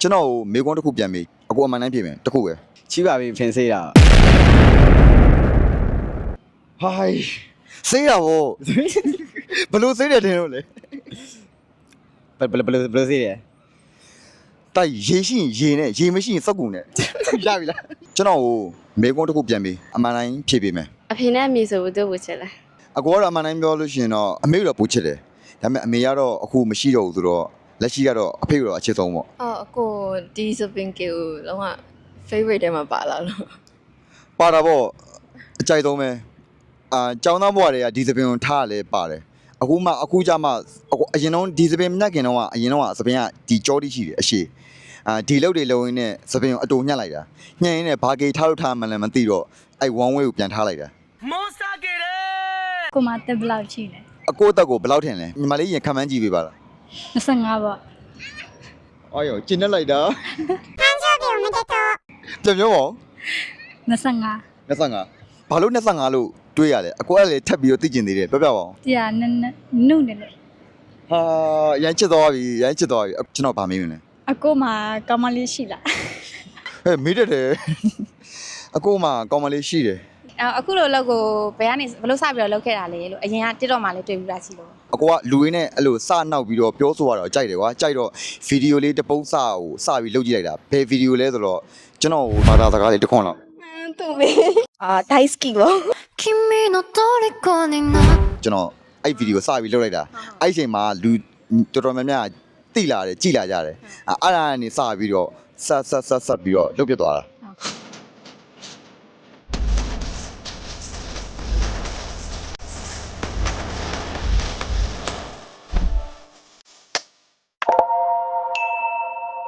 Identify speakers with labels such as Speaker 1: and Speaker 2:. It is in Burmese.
Speaker 1: ကျွန်တော်မေကွန်းတစ်ခုပြန်ပြီအကိုအမှန်တိုင်းပြင်မယ်တစ်ခုပဲ
Speaker 2: ချိပါပြီဖင်စေးတာ
Speaker 1: ဟိုင်းစေးရဗောဘလို့စေးတယ်တင်လို့လေ
Speaker 2: ဘယ်စေးတယ်
Speaker 1: တိုက်ရေရှိရင်ရေနဲ့ရေမရှိရင်စက်ကူနဲ့ရပြီလားကျွန်တော်မေကွန်းတစ်ခုပြန်ပြီအမှန်တိုင်းဖြေပေးမယ်
Speaker 3: အဖေနဲ့အမေဆိုဘူးသူ့ကိုချစ်လဲ
Speaker 1: အကိုကတော့အမှန်တိုင်းပြောလို့ရှိရင်တော့အမေကတော့ပိုချစ်တယ်ဒါပေမဲ့အမေကတော့အခုမရှိတော့ဘူးဆိုတော့လက်ရှိကတော့အဖေကတော့အချစ်ဆုံးပေါ့
Speaker 3: အော်အကိုဒီစပင်ကီကိုလုံးဝ favorite ထဲမှာပါလာလို့
Speaker 1: ပါတာပေါ့အကြိုက်ဆုံးပဲကျောင်းသားဘဝတွေကဒီသပင်ကိုထားရလဲပါတယ်အခုကြမှာအရင်တော့ဒီသပင်မြတ်ခင်တော့ကအရင်တော့သပင်ကဒီကြောတိရှိတယ်အရှိဒီလောက်တွေလုံးရင်းနဲ့သပင်ကိုအတူညှက်လိုက်တာညှက်ရင်းနဲ့ဘာကေထားလို့ထားမှလည်းမသိတော့အဲ့ one way ကိုပြန်ထားလိုက်တာ
Speaker 4: ကိုမတက်ဘလောက်ရှိလဲ
Speaker 1: အကိုတက်ကိုဘယ်လောက်ထင်လဲညီမလေးရင်ခံမှန်းကြည့်ပေးပါလား
Speaker 4: 25ပေါ့
Speaker 1: အော်ယောကျင်းနေလိုက်တာပြန်ပြောပါဦး
Speaker 4: 25
Speaker 1: 25ဘာလို့25လို့တွေးရလဲအကိုကလည်းထပ်ပြီးတော့သိကျင်သေးတယ်ပြောပြပါဦး
Speaker 4: တရားနနုနေလို့
Speaker 1: ဟာရမ်းချစ်သွားပြီကျွန်တော်ဗာမေးမလဲ
Speaker 4: အကိုမကောင်းမလေးရှိလား
Speaker 1: ဟဲ့မေးတတ်တယ်အကိုမှကောင်းမလေးရှိတယ်
Speaker 5: အခုလိုလောက်ကိုဘယ်ကနေဘလို့စပြီးတော့လောက်ခဲ့တာလဲလို့အရင်ကတစ်တော့မှလည်းတွေ့ပြီးသားရှိလို့
Speaker 1: အကိုကလူရင်းနဲ့အဲ့လိုစနောက်ပြီးတော့ပြောဆိုရတော့ကြိုက်တယ်ကွာကြိုက်တော့ဗီဒီယိုလေးတစ်ပုတ်စကိုစပြီးလုပ်ကြည့်လိုက်တာဘယ်ဗီဒီယိုလဲဆိုတော့ကျွန်တော်ဘာသာစကားလေးတစ်ခွန်းလောက်
Speaker 3: သူ့မေဒိုင်စကီပေါ့
Speaker 1: ကျွန်တော်အဲ့ဗီဒီယိုစပြီးလုပ်လိုက်တာအဲ့အချိန်မှာလူတော်တော်များများတိလာတယ်ကြည်လာကြတယ်အဲ့ဒါကနေစပြီးတော့ဆက်ပြီးတော့လုပ်ပြသွားတာ